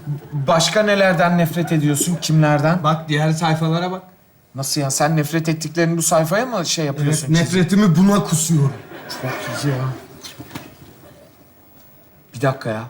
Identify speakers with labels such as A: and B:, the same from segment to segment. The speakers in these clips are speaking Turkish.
A: Başka nelerden nefret ediyorsun? Kimlerden?
B: Bak diğer sayfalara bak.
A: Nasıl ya? Sen nefret ettiklerini bu sayfaya mı şey
B: Evet,
A: yapıyorsun?
B: nefretimi buna kusuyorum.
A: Çok iyi ya. Bir dakika ya.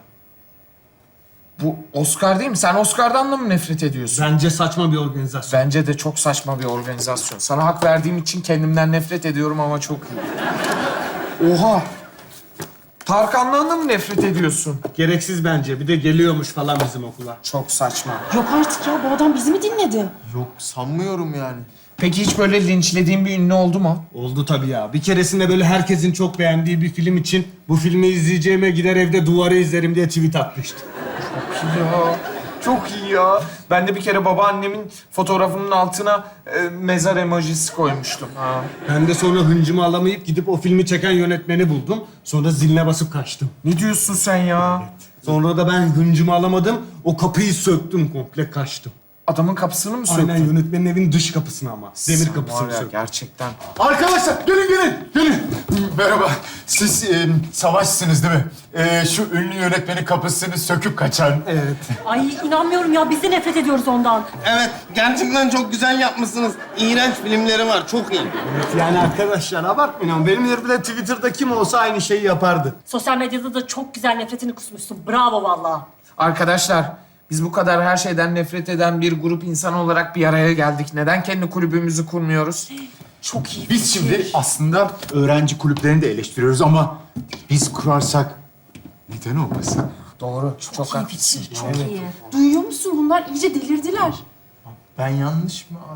A: Bu Oscar değil mi? Sen Oscar'dan da mı nefret ediyorsun?
B: Bence saçma bir organizasyon.
A: Bence de çok saçma bir organizasyon. Sana hak verdiğim için kendimden nefret ediyorum ama çok iyi. Oha! Tarkan'dan da mı nefret ediyorsun?
B: Gereksiz bence. Bir de geliyormuş falan bizim okula.
A: Çok saçma.
C: Yok artık ya, bu adam bizi mi dinledi?
D: Yok sanmıyorum yani.
A: Peki hiç böyle linçlediğin bir ünlü oldu mu?
B: Oldu tabii ya. Bir keresinde böyle herkesin çok beğendiği bir film için bu filmi izleyeceğime gider evde duvarı izlerim diye tweet atmıştı.
A: Ya çok iyi ya. Ben de bir kere babaannemin fotoğrafının altına mezar emojisi koymuştum. Ha.
B: Ben de sonra hıncımı alamayıp gidip o filmi çeken yönetmeni buldum. Sonra ziline basıp kaçtım.
A: Ne diyorsun sen ya?
B: Sonra da ben hıncımı alamadım. O kapıyı söktüm komple kaçtım.
A: Adamın kapısını mı söktün?
B: Aynen yönetmenin evin dış kapısına ama. Demir
A: Sen
B: kapısını
A: var ya,
B: söktüm.
A: gerçekten.
D: Arkadaşlar gelin. Merhaba. Siz Savaş'sınız değil mi? Şu ünlü yönetmenin kapısını söküp kaçan.
B: Evet.
C: Ay inanmıyorum ya, biz de nefret ediyoruz ondan.
E: Evet, gerçekten çok güzel yapmışsınız. İğrenç filmleri var, çok iyi.
B: Evet yani arkadaşlar abartmayın ama benim yerimde Twitter'da kim olsa aynı şeyi yapardı.
C: Sosyal medyada da çok güzel nefretini kusmuşsun. Bravo vallahi.
A: Arkadaşlar, biz bu kadar her şeyden nefret eden bir grup insan olarak bir araya geldik. Neden kendi kulübümüzü kurmuyoruz?
C: Çok iyi.
D: Biz şimdi aslında öğrenci kulüplerini de eleştiriyoruz ama biz kurarsak neden olmasın?
A: Doğru, çok
C: iyi
A: haklısın.
C: fikir, çok iyi.
F: Duyuyor musun? Bunlar iyice delirdiler.
D: Ben yanlış mı?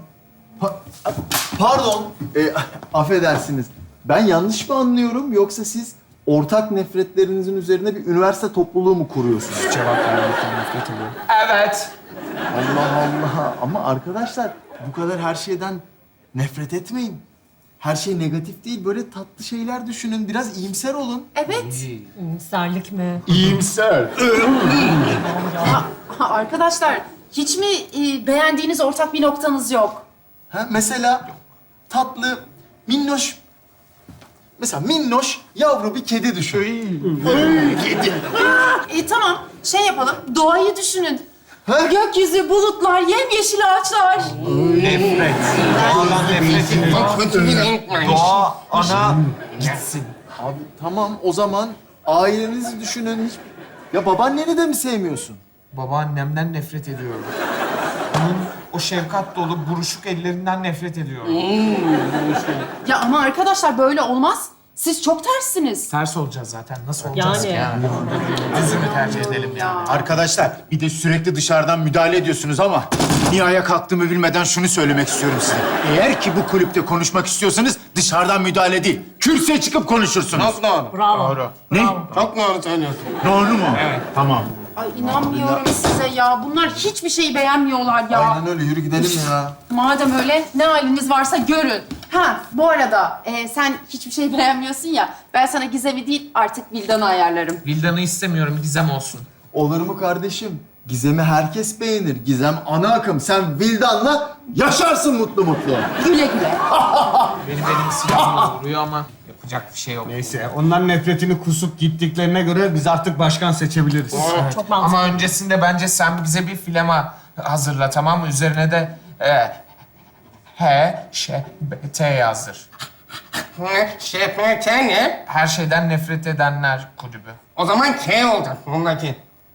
D: Pardon, affedersiniz. Ben yanlış mı anlıyorum yoksa siz ortak nefretlerinizin üzerine bir üniversite topluluğu mu kuruyorsunuz?
A: Cevap vermekten nefret ediyorum. Evet.
D: Allah Allah. Ama arkadaşlar bu kadar her şeyden nefret etmeyin. Her şey negatif değil. Böyle tatlı şeyler düşünün. Biraz iyimser olun.
F: Evet.
C: Serlik mi?
D: İyimser.
F: Arkadaşlar, hiç mi beğendiğiniz ortak bir noktanız yok?
D: Ha, mesela tatlı, minnoş. Mesela minnoş yavru bir kedi düşün.
F: Tamam, şey yapalım. Doğayı düşünün.
D: Ha?
F: Gökyüzü, bulutlar, yemyeşil ağaçlar.
A: Nefret.
E: Çok kötü bir renk var.
A: Doğa, ana gitsin.
D: Abi tamam o zaman ailenizi düşünün. Hiç... Ya babaanneni de mi sevmiyorsun?
A: Babaannemden nefret ediyorum. Onun o şefkat dolu buruşuk ellerinden nefret ediyorum.
F: Ya ama arkadaşlar böyle olmaz. Siz çok terssiniz.
A: Ters olacağız zaten. Nasıl olacağız
C: Yani.
A: ki yani? Düzünü tercih edelim yani.
D: Arkadaşlar bir de sürekli dışarıdan müdahale ediyorsunuz ama niye ayağa kalktığımı bilmeden şunu söylemek istiyorum size. Eğer ki bu kulüpte konuşmak istiyorsanız dışarıdan müdahale değil, kürsüye çıkıp konuşursunuz.
E: Çok doğru.
C: Bravo.
A: Doğru.
D: Ne?
E: Çok doğru söylüyorsun.
D: Doğru mu? Evet. Tamam.
F: Ay inanmıyorum size ya. Bunlar hiçbir şeyi beğenmiyorlar ya.
D: Aynen öyle yürü gidelim ya.
F: Madem öyle ne haliniz varsa görün. Ha bu arada sen hiçbir şey beğenmiyorsun ya. Ben sana Gizem'i değil artık Vildan'ı ayarlarım.
A: Vildan'ı istemiyorum, Gizem olsun.
D: Olur mu kardeşim? Gizem'i herkes beğenir. Gizem ana akım. Sen Vildan'la yaşarsın mutlu mutlu.
F: Güle güle.
A: Benim silahımla vuruyor ama yapacak bir şey yok.
B: Neyse onların nefretini kusup gittiklerine göre biz artık başkan seçebiliriz.
C: Çok mantıklı.
A: Ama öncesinde bence sen bize bir filema hazırla, tamam mı? Üzerine de T yazdır.
E: ŞPT ne?
A: Her şeyden nefret edenler kulübü.
E: O zaman K olacak ondaki.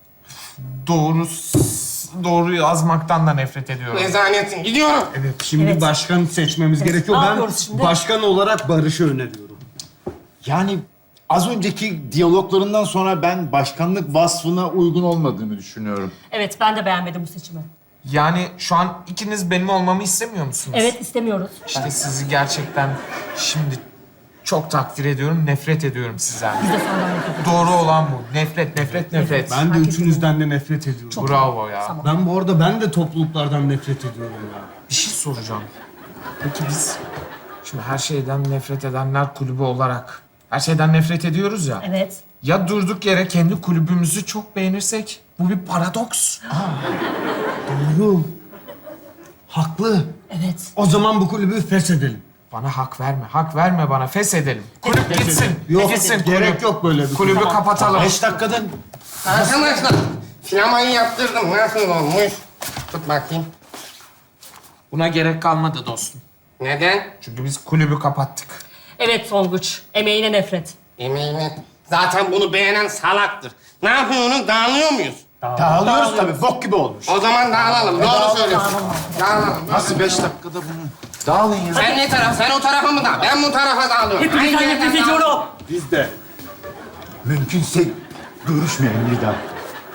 A: Doğru yazmaktan da nefret ediyorum.
E: Rezaletsin. Gidiyorum.
B: Evet şimdi
C: Evet.
B: başkan seçmemiz gerekiyor.
C: ne
B: Ben
C: yapıyoruz şimdi?
B: başkan olarak Barış'ı öneriyorum.
G: Yani az önceki diyaloglarından sonra ben başkanlık vasfına uygun olmadığını düşünüyorum.
C: Evet, ben de beğenmedim bu seçimi.
A: Yani şu an ikiniz benim olmamı istemiyor musunuz?
C: Evet, istemiyoruz.
A: İşte sizi gerçekten şimdi çok takdir ediyorum, nefret ediyorum sizden.
C: Biz de senden nefret ediyoruz.
A: Doğru olan bu. Nefret.
B: Ben de
C: Hak
B: üçünüzden de nefret ediyorum.
A: Bravo ya.
C: Tamam.
B: Ben bu arada ben de topluluklardan nefret ediyorum ya.
A: Bir şey soracağım. Peki biz şimdi her şeyden nefret edenler kulübü olarak her şeyden nefret ediyoruz ya.
C: Evet.
A: Ya durduk yere kendi kulübümüzü çok beğenirsek? Bu bir paradoks.
B: Doğru. Haklı.
C: Evet.
B: O zaman bu kulübü feshedelim.
A: Bana hak verme. Hak verme bana. Feshedelim. Kulüp gitsin.
B: Yok
A: Gitsin
B: gerek
A: kulüp.
B: yok böyle bir
A: Kulübü kapatalım.
G: 5 dakikadan
E: Arkadaşlar, Sinemayı yaptırdım. Nasıl olmuş? Tut bakayım.
A: Buna gerek kalmadı dostum.
E: Neden?
A: Çünkü biz kulübü kapattık.
C: Evet Tonguç, emeğine nefret.
E: Emeğine. Zaten bunu beğenen salaktır. Ne yapıyorsunuz? Dağılıyor muyuz?
D: Dağılıyoruz tabii. Bok gibi olmuş.
E: O zaman dağılalım. Doğru söylüyorsun. Dağılalım.
G: Nasıl 5 dakikada bunu? Dağılın ya.
E: Sen ne taraf? Sen o tarafa mı dağıl? Ben bu tarafa dağılıyorum.
C: Hepinizden
E: Hangi
C: nefret
E: yerden
C: ediyorum.
B: Biz de.
D: Mümkünse görüşmeyelim bir daha.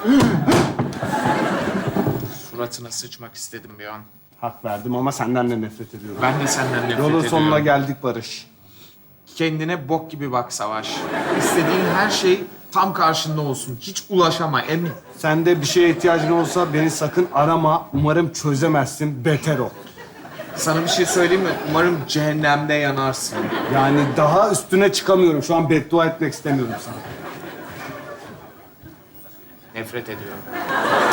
A: Suratına sıçmak istedim bir an.
B: Hak verdim ama senden de nefret ediyorum.
A: Ben de senden nefret
B: Yolun
A: ediyorum.
B: sonuna geldik Barış.
A: Kendine bok gibi bak Savaş. İstediğin her şey tam karşında olsun. Hiç ulaşama emin.
B: Sende bir şeye ihtiyacın olsa beni sakın arama. Umarım çözemezsin. Beter ol.
A: Sana bir şey söyleyeyim mi? Umarım cehennemde yanarsın.
B: Yani daha üstüne çıkamıyorum. Şu an beddua etmek istemiyorum sana.
A: Nefret ediyorum.